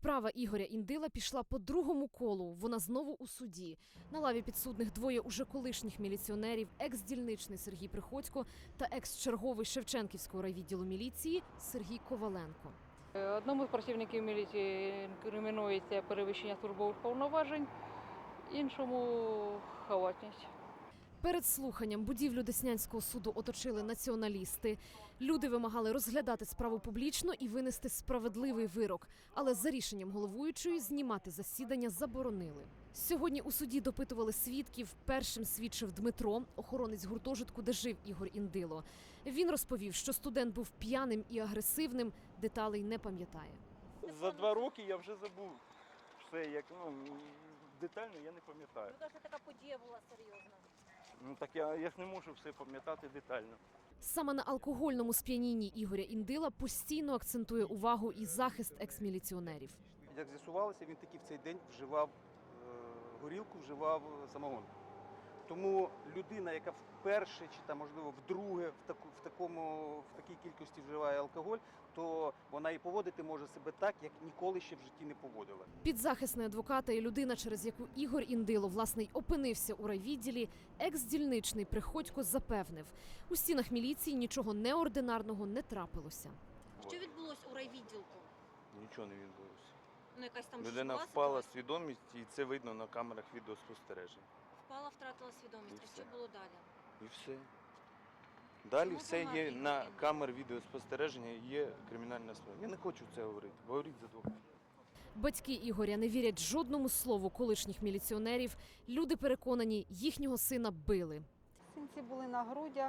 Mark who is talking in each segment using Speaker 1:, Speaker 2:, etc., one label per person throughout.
Speaker 1: Справа Ігоря Індила пішла по другому колу. Вона знову у суді. На лаві підсудних двоє уже колишніх міліціонерів, екс-дільничний Сергій Приходько та екс-черговий Шевченківського райвідділу міліції Сергій Коваленко.
Speaker 2: Одному з працівників міліції інкримінується перевищення службових повноважень, іншому – халатність.
Speaker 1: Перед слуханням будівлю Деснянського суду оточили націоналісти. Люди вимагали розглядати справу публічно і винести справедливий вирок. Але за рішенням головуючої знімати засідання заборонили. Сьогодні у суді допитували свідків. Першим свідчив Дмитро, охоронець гуртожитку, де жив Ігор Індило. Він розповів, що студент був п'яним і агресивним, деталей не пам'ятає.
Speaker 3: За 2 роки я вже забув все, як детально я не пам'ятаю.
Speaker 4: Ну, це така подія була серйозна.
Speaker 3: Ну так я ж не можу все пам'ятати детально.
Speaker 1: Саме на алкогольному сп'янінні Ігоря Індила постійно акцентує увагу і захист екс-міліціонерів.
Speaker 5: Як з'ясувалося, він таки в цей день вживав горілку, вживав самогон. Тому людина, яка вперше чи там, можливо, вдруге в такій кількості вживає алкоголь, то вона і поводити може себе так, як ніколи ще в житті не поводила.
Speaker 1: Підзахисний адвоката і людина, через яку Ігор Індило, власне, й опинився у райвідділі, екс-дільничний Приходько запевнив, у стінах міліції нічого неординарного не трапилося.
Speaker 4: Що відбулося у райвідділку?
Speaker 6: Нічого не відбулося.
Speaker 4: Ну, якась там
Speaker 6: Людина
Speaker 4: жорстка
Speaker 6: впала
Speaker 4: ситуація?
Speaker 6: свідомість, і це видно на камерах відеоспостереження.
Speaker 4: Впала, втратила свідомість.
Speaker 6: І
Speaker 4: А
Speaker 6: все.
Speaker 4: що було далі?
Speaker 6: І все. Далі
Speaker 4: Чому
Speaker 6: все
Speaker 4: помер
Speaker 6: є
Speaker 4: Ігор
Speaker 6: на
Speaker 4: Індило?
Speaker 6: камер відеоспостереження, є кримінальна справа. Я не хочу це говорити. Говоріть за двох.
Speaker 1: Батьки Ігоря не вірять жодному слову колишніх міліціонерів. Люди переконані, їхнього сина били.
Speaker 7: Синці були на грудях,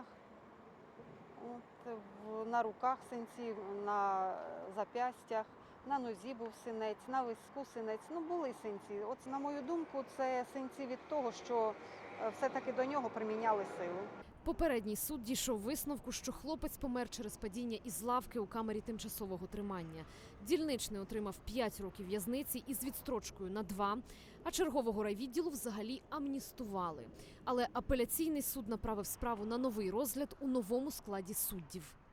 Speaker 7: на руках синці, на зап'ястях, на нозі був синець, на виску синець. Ну, були синці. От, на мою думку, це синці від того, що все-таки до нього приміняли силу.
Speaker 1: Попередній суд дійшов висновку, що хлопець помер через падіння із лавки у камері тимчасового тримання. Дільничний отримав 5 років в'язниці із відстрочкою на 2, а чергового райвідділу взагалі амністували. Але апеляційний суд направив справу на новий розгляд у новому складі суддів.